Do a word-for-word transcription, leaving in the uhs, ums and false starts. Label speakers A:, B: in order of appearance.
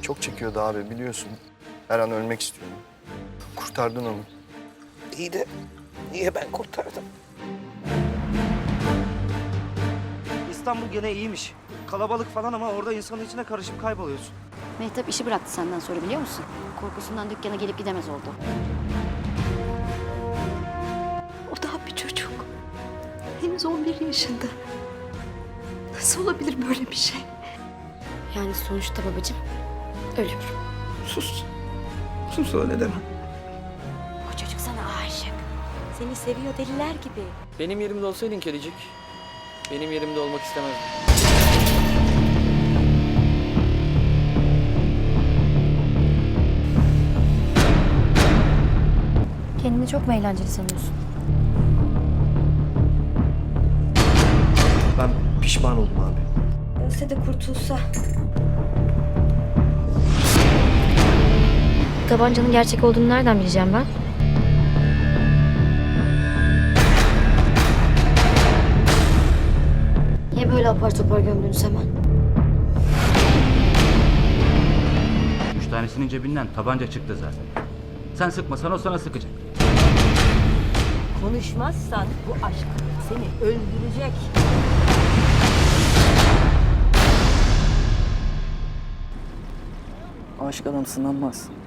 A: Çok çekiyordu abi biliyorsun. Her an ölmek istiyordu. Kurtardın onu.
B: İyi de niye ben kurtardım?
C: İstanbul gene iyiymiş. Kalabalık falan ama orada insanın içine karışıp kayboluyorsun.
D: Mehtap işi bıraktı senden sonra biliyor musun? Korkusundan dükkana gelip gidemez oldu.
E: O daha bir çocuk. Henüz on bir yaşında. Nasıl olabilir böyle bir şey?
D: Yani sonuçta babacığım ölüyor.
B: Sus. Sus öyle deme.
D: O çocuk sana aşık. Seni seviyor deliler gibi.
F: Benim yerimde olsaydın kedicik, benim yerimde olmak istemezdin.
D: Kendini çok mu eğlenceli sanıyorsun?
A: Ben pişman oldum abi.
D: Ölse de kurtulsa. Tabancanın gerçek olduğunu nereden bileceğim ben? Niye böyle apar topar gömdünüz hemen?
G: Üç tanesinin cebinden tabanca çıktı zaten. Sen sıkmasan o sana sıkacak.
H: Konuşmazsan bu aşk seni öldürecek.
F: Aşık adam sınanmaz.